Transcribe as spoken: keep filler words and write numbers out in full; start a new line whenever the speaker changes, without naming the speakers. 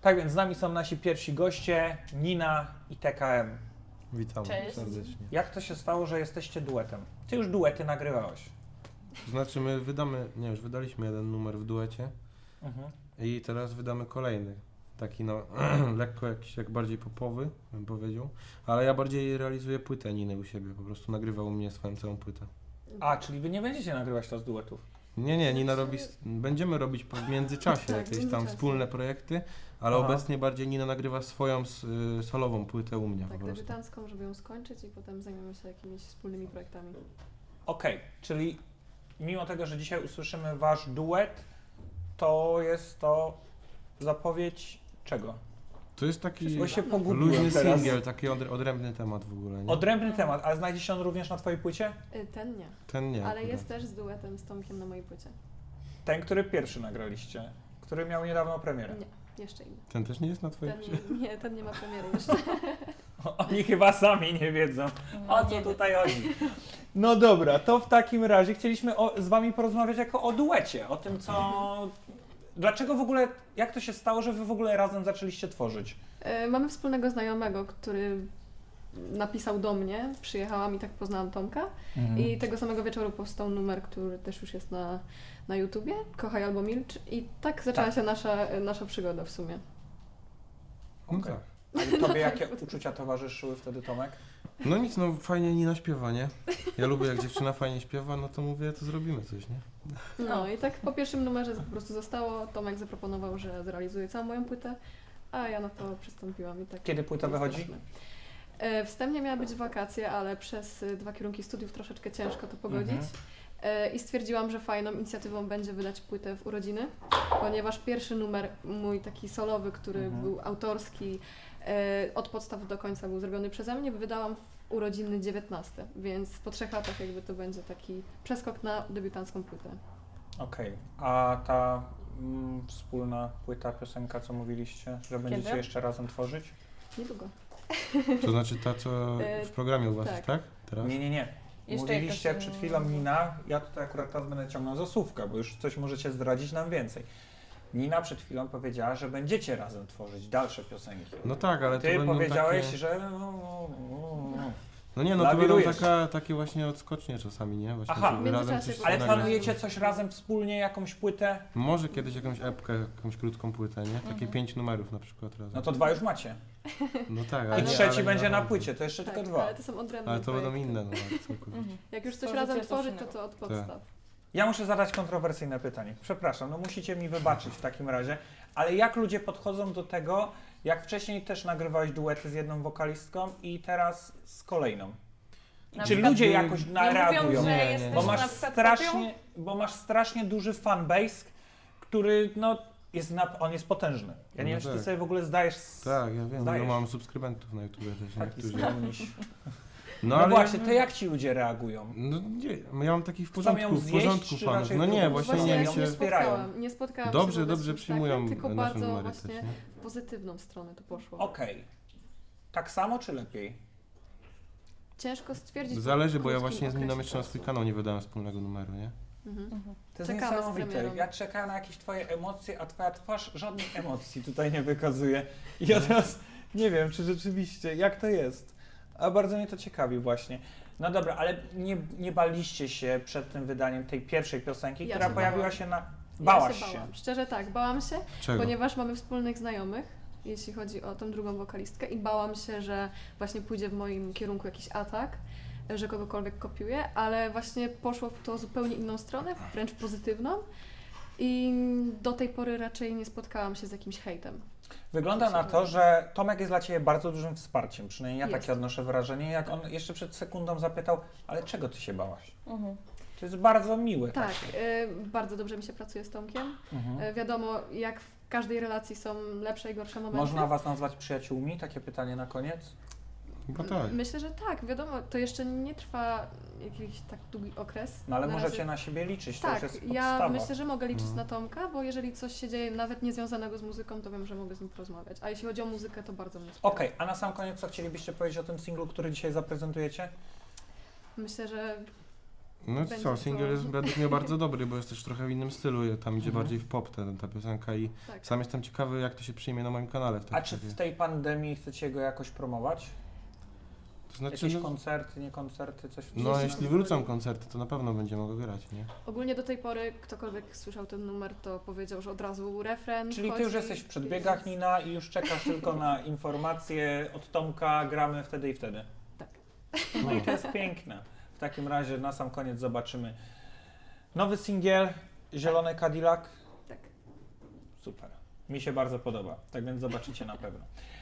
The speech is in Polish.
Tak więc z nami są nasi pierwsi goście, Nina i T K M.
Witam
Cześć.
serdecznie.
Jak to się stało, że jesteście duetem? Ty już duety nagrywałeś.
To znaczy my wydamy, nie już wydaliśmy jeden numer w duecie
Mhm.
i teraz wydamy kolejny. Taki no lekko jakiś jak bardziej popowy, bym powiedział. Ale ja bardziej realizuję płytę Niny u siebie, po prostu nagrywa u mnie swoją całą płytę.
A, czyli wy nie będziecie nagrywać teraz duetów?
Nie, nie, Nina robi, będziemy robić po- w międzyczasie
Tak, w
jakieś tam
międzyczasie.
wspólne projekty, ale
Aha.
obecnie bardziej Nina nagrywa swoją s- y, solową płytę u mnie
Tak,
po prostu.
debiutancką, żeby ją skończyć i potem zajmiemy się jakimiś wspólnymi projektami.
Okej, czyli mimo tego, że dzisiaj usłyszymy wasz duet, to jest to zapowiedź czego?
To jest taki
Bo się pogubiłem
luźny
teraz.
singiel, taki od, odrębny temat w ogóle, nie?
Odrębny temat, ale znajdzie się on również na twojej płycie?
Y, Ten nie,
Ten nie.
ale
akurat.
jest też z duetem z Tomkiem na mojej płycie.
Ten, który pierwszy nagraliście, który miał niedawno premierę.
Nie, jeszcze inny.
Ten też nie jest na twojej
Ten
płycie?
nie, nie, ten nie ma premiery jeszcze.
Oni chyba sami nie wiedzą,
No,
o co tutaj chodzi. No dobra, to w takim razie chcieliśmy o, z wami porozmawiać jako o duecie, o tym co... Dlaczego w ogóle, jak to się stało, że wy w ogóle razem zaczęliście tworzyć?
Y, Mamy wspólnego znajomego, który napisał do mnie, przyjechałam i tak poznałam Tomka. I tego samego wieczoru powstał numer, który też już jest na, na YouTubie, Kochaj albo milcz. I tak zaczęła
Tak.
się nasza, nasza przygoda w sumie.
No
Okej.
tak.
A tobie jakie uczucia towarzyszyły wtedy, Tomek?
No nic, no fajnie Nina śpiewa, nie? Ja lubię jak dziewczyna fajnie śpiewa, no to mówię, to zrobimy coś, nie?
No i tak po pierwszym numerze po prostu zostało. Tomek zaproponował, że zrealizuje całą moją płytę, a ja na to przystąpiłam i tak.
Kiedy płyta wychodzi?
jesteśmy. E, Wstępnie miały być wakacje, ale przez y, dwa kierunki studiów troszeczkę ciężko to pogodzić.
Mhm.
E, I stwierdziłam, że fajną inicjatywą będzie wydać płytę w urodziny, ponieważ pierwszy numer, mój taki solowy, który
Mhm.
był autorski, e, od podstaw do końca był zrobiony przeze mnie, wydałam w urodziny dziewiętnaste, więc po trzech latach jakby to będzie taki przeskok na debiutancką płytę.
Okej, a ta mm, wspólna płyta, piosenka, co mówiliście, że będziecie jeszcze razem tworzyć?
Niedługo.
To znaczy ta, co
E,
w programie u was
tak.
jest, tak? Teraz?
Nie, nie, nie.
Jeszcze
Mówiliście
jakaś,
przed
mm,
chwilą Nina, ja tutaj akurat teraz będę ciągnął za słówka, bo już coś możecie zdradzić nam więcej. Nina przed chwilą powiedziała, że będziecie razem tworzyć dalsze piosenki.
No tak, ale
Ty
to będą
powiedziałeś,
takie...
że... no, no, no.
No nie, no to będą
lawirujesz.
taka, takie właśnie odskocznie czasami, nie? Właśnie,
Aha.
żeby
W
razem
międzyczasie
coś
Ale
nagrać.
planujecie coś razem wspólnie, jakąś płytę?
Może kiedyś jakąś epkę, jakąś krótką płytę, nie? Takie
Mhm.
pięć numerów na przykład razem.
No to dwa już macie.
No tak,
I
ale nie,
trzeci
ale nie
będzie na
razem.
płycie, to jeszcze
Tak,
tylko dwa.
ale to są odrębne
Ale to będą
projekty.
inne numery całkowicie.
Mhm.
Jak już coś
Tworzycie
razem
coś
tworzyć, to
innego.
to od podstaw.
Ja muszę zadać kontrowersyjne pytanie. Przepraszam, no musicie mi wybaczyć w takim razie, ale jak ludzie podchodzą do tego, jak wcześniej też nagrywałeś duety z jedną wokalistką i teraz z kolejną?
Na
Czy
przykład
ludzie
nie-
jakoś
Nie
na-
mówią,
reagują?
że
Nie, nie,
jesteś
nie.
Bo
na
masz
przykład
strasznie, bo masz strasznie duży fanbase, który no jest na, on jest potężny. Ja nie
No
wiem, czy ty
tak.
sobie w ogóle zdajesz z...
Tak, ja wiem,
Zdajesz.
ja mam subskrybentów na YouTube też,
Taki
niektórzy.
skromniś.
No,
No,
ale
właśnie, to jak ci ludzie reagują?
No nie, ja mam takich w
Chcą ją
porządku, w
zjeść,
porządku
czy
fanów.
raczej
No
w
nie,
drugą
właśnie
stronę?
nie,
ja
mi
ją
się nie
się...
wspierają.
spotkałam, nie spotkałam
Dobrze,
się
dobrze
z czymś
przyjmują
takim, tylko
nasze
bardzo
numery
właśnie
też, nie?
w pozytywną stronę to poszło.
Okej. Tak samo czy lepiej?
Ciężko stwierdzić. po
Zależy, bo ja
krótkim
właśnie z Niną
okresie
jeszcze na
czasu.
swój kanał nie wydałem wspólnego numeru, nie?
Mhm.
To jest
Czekamy z
niesamowite.
premierą.
Ja czekam na jakieś twoje emocje, a twoja twarz żadnych emocji tutaj nie wykazuje. I ja teraz nie wiem, czy rzeczywiście, jak to jest. A bardzo mnie to ciekawi właśnie. No dobra, ale nie, nie baliście się przed tym wydaniem tej pierwszej piosenki,
Ja
która
się
pojawiła
bałam.
się na... Bałaś
ja się.
się.
Bałam. Szczerze tak, bałam się,
Czego?
ponieważ mamy wspólnych znajomych, jeśli chodzi o tą drugą wokalistkę i bałam się, że właśnie pójdzie w moim kierunku jakiś atak, że kogokolwiek kopiuje, ale właśnie poszło w to zupełnie inną stronę, wręcz pozytywną i do tej pory raczej nie spotkałam się z jakimś hejtem.
Wygląda na to, że Tomek jest dla Ciebie bardzo dużym wsparciem, przynajmniej ja
Jest.
takie odnoszę wrażenie, jak on jeszcze przed sekundą zapytał, ale czego Ty się bałaś?
Mhm.
To jest bardzo miłe.
Tak,
takie.
y, bardzo dobrze mi się pracuje z Tomkiem.
Mhm.
Y, wiadomo, jak w każdej relacji są lepsze i gorsze momenty.
Można Was nazwać przyjaciółmi? Takie pytanie na koniec.
Chyba tak.
Myślę, że tak, wiadomo, to jeszcze nie trwa jakiś tak długi okres.
No ale
Na
możecie
razie-
na siebie liczyć, to
Tak,
już jest
ja
podstawa.
myślę, że mogę liczyć
Mhm.
na Tomka, bo jeżeli coś się dzieje nawet niezwiązanego z muzyką, to wiem, że mogę z nim porozmawiać. A jeśli chodzi o muzykę, to bardzo mnie wspiera.
Okej, a na sam koniec co chcielibyście powiedzieć o tym singlu, który dzisiaj zaprezentujecie?
Myślę, że
No
Będzie
co,
to-
singiel jest według mnie bardzo dobry, bo jest też trochę w innym stylu, tam idzie
Mhm.
bardziej w pop ta, ta piosenka i
Tak.
sam jestem ciekawy, jak to się przyjmie na moim kanale w
A
takim
czy
razie.
w tej pandemii chcecie go jakoś promować?
To znaczy,
Jakieś
no,
koncerty, nie koncerty, coś w
no
Jeśli
jeśli wrócą koncerty, to na pewno będzie mogło grać, nie?
Ogólnie do tej pory ktokolwiek słyszał ten numer, to powiedział, że od razu refren
Czyli ty
wchodzi,
już jesteś w przedbiegach,
więc-
Nina, i już czekasz tylko na informacje od Tomka, gramy wtedy i wtedy.
Tak.
No i to jest piękne. W takim razie na sam koniec zobaczymy nowy singiel, Zielony Cadillac.
Tak.
Super. Mi się bardzo podoba, tak więc zobaczycie na pewno.